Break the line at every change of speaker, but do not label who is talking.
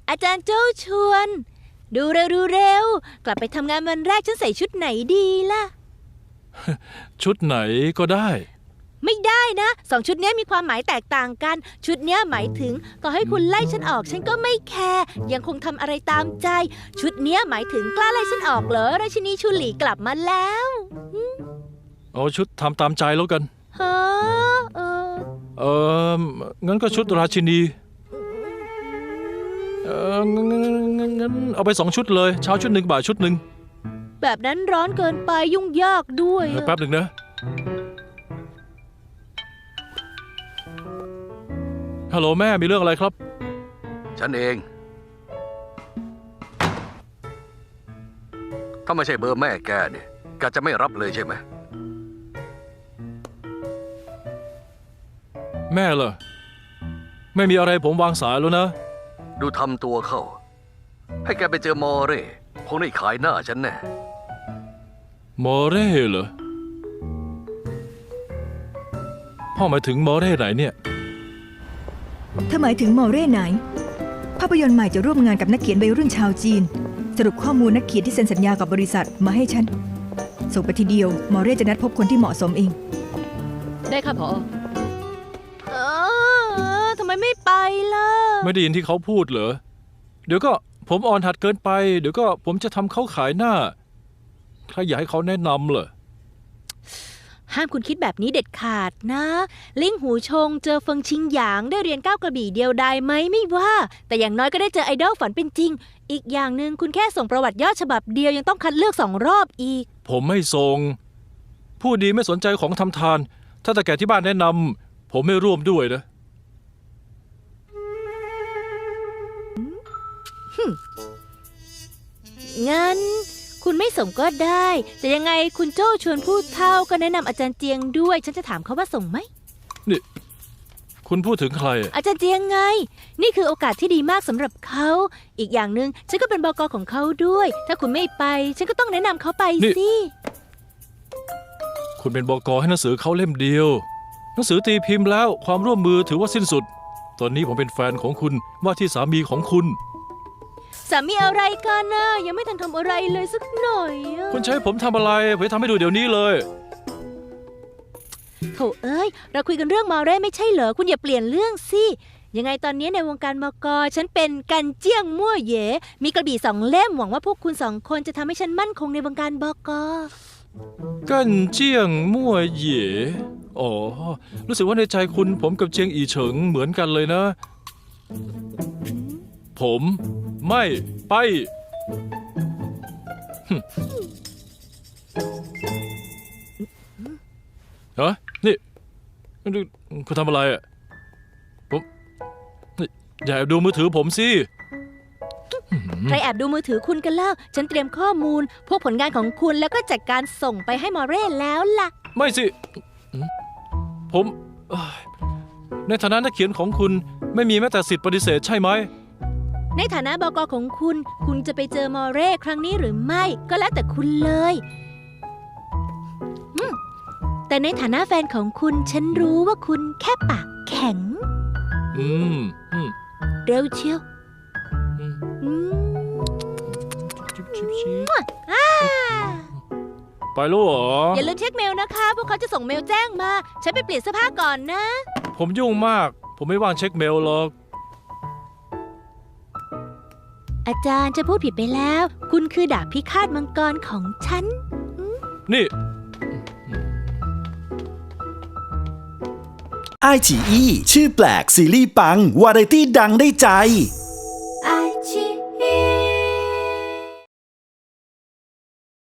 อาจารย์โจ้ชวนดูเร็วกลับไปทำงานวันแรกฉันใส่ชุดไหนดีล่ะ
ชุดไหนก็ได้
ไม่ได้นะ2 ชุดนี้มีความหมายแตกต่างกันชุดนี้หมายถึงต่อให้คุณไล่ฉันออกฉันก็ไม่แคร์ยังคงทำอะไรตามใจชุดนี้หมายถึงกล้าไล่ฉันออกเหรอราชินีชูหลีกลับมาแล้ว
เอาชุดทำตามใจแล้วกัน
ฮะ
งั้นก็ชุดราชินีงั้นเอาไป2 ชุดเลยเช้าชุดหนึ่งบ่ายชุดหนึ่ง
แบบนั้นร้อนเกินไปยุ่งยากด้วย
แป๊บหนึ่งนะฮัลโหลแม่มีเรื่องอะไรครับ
ฉันเอง ถ้าไม่ใช่เบอร์แม่แกเนี่ยแกจะไม่รับเลยใช่ไหม
แม่เหรอไม่มีอะไรผมวางสายแล้วนะ
ดูทำตัวเข้า ให้แกไปเจอมอเร่คงได้ขายหน้าฉันแน่
มอเร่เหรอพ่อหมายถึงมอเร่ไหนเนี่ย
ถ้าหมายถึงมอเร่ไหนภาพยนตร์ใหม่จะร่วมงานกับนักเขียนวัยรุ่นชาวจีนสรุปข้อมูลนักเขียนที่เซ็นสัญญากับบริษัทมาให้ฉันส่งไปทีเดียวมอเร่จะนัดพบคนที่เหมาะสมเอง
ได้ค่ะผอทำไมไม่ไปล่ะ
ไม่ได้ยินที่เขาพูดเหรอเดี๋ยวก็ผมอ่อนหัดเกินไปเดี๋ยวก็ผมจะทำเขาขายหน้าใครอยากให้เขาแนะนำเหรอ
ห้ามคุณคิดแบบนี้เด็ดขาดนะลิงหูชงเจอเฟิงชิงหยางได้เรียนก้าวกระบี่เดียวดายไหมไม่ว่าแต่อย่างน้อยก็ได้เจอไอดอลฝันเป็นจริงอีกอย่างหนึ่งคุณแค่ส่งประวัติย่อฉบับเดียวยังต้องคัดเลือก2 รอบอีก
ผมไม่ส่งผู้ดีไม่สนใจของทำทานถ้าแต่แก่ที่บ้านแนะนำผมไม่ร่วมด้วยนะ
งั้นคุณไม่ส่งก็ได้แต่ยังไงคุณโจ้ชวนพูดเท่าก็แนะนำอาจารย์เจียงด้วยฉันจะถามเขาว่าส่งไหม
นี่คุณพูดถึงใครอะ
อาจารย์เจียงไงนี่คือโอกาสที่ดีมากสำหรับเขาอีกอย่างหนึ่งฉันก็เป็นบก.ของเขาด้วยถ้าคุณไม่ไปฉันก็ต้องแนะนำเขาไปสิ
คุณเป็นบก.ให้หนังสือเขาเล่มเดียวหนังสือตีพิมพ์แล้วความร่วมมือถือว่าสิ้นสุดตอนนี้ผมเป็นแฟนของคุณว่าที่สามีของคุณ
สามีอะไรกันนะยังไม่ทันทำอะไรเลยสักหน่อยอะ
คุณใช้ผมทำอะไรผมจะทำให้ดูเดี๋ยวนี้เลย
โถเอ้ยเราคุยกันเรื่องมาเร่ไม่ใช่เหรอคุณอย่าเปลี่ยนเรื่องสิยังไงตอนนี้ในวงการบก.ฉันเป็นกันเจี้ยงมั่วเหย่มีกระบี่2 เล่มหวังว่าพวกคุณ2 คนจะทำให้ฉันมั่นคงในวงการบก.
กันเจียงมั่วเหย่อ๋อรู้สึกว่าในใจคุณผมกับเจียงอีเฉิงเหมือนกันเลยนะ ผมไม่ไปฮะนี่คุณทำอะไรอ่ะผมนี่อย่าแอบดูมือถือผมสิ
ใครแอบดูมือถือคุณกันเล่าฉันเตรียมข้อมูลพวกผลงานของคุณแล้วก็จัดการส่งไปให้มาเร่แล้วล่ะ
ไม่สิผมในฐานะนักเขียนของคุณไม่มีแม้แต่สิทธิ์ปฏิเสธใช่ไหม
ในฐานะบก.ของคุณคุณจะไปเจอมอเร่ครั้งนี้หรือไม่ก็แล้วแต่คุณเลยแต่ในฐานะแฟนของคุณฉันรู้ว่าคุณแค่ปากแข็งเร็วเชียว
ไปแล้วเหรอ
อย่าลืมเช็คเมลนะคะพวกเขาจะส่งเมลแจ้งมาฉันไปเปลี่ยนเสื้อผ้าก่อนนะ
ผมยุ่งมากผมไม่ว่างเช็คเมลหรอก
อาจารย์จะพูดผิดไปแล้วคุณคือดาบพิฆาตมังกรของฉัน
นี่
ไอฉีอีชื่อแปลกซีรีส์ปังวาไรตี้ดังได้ใจ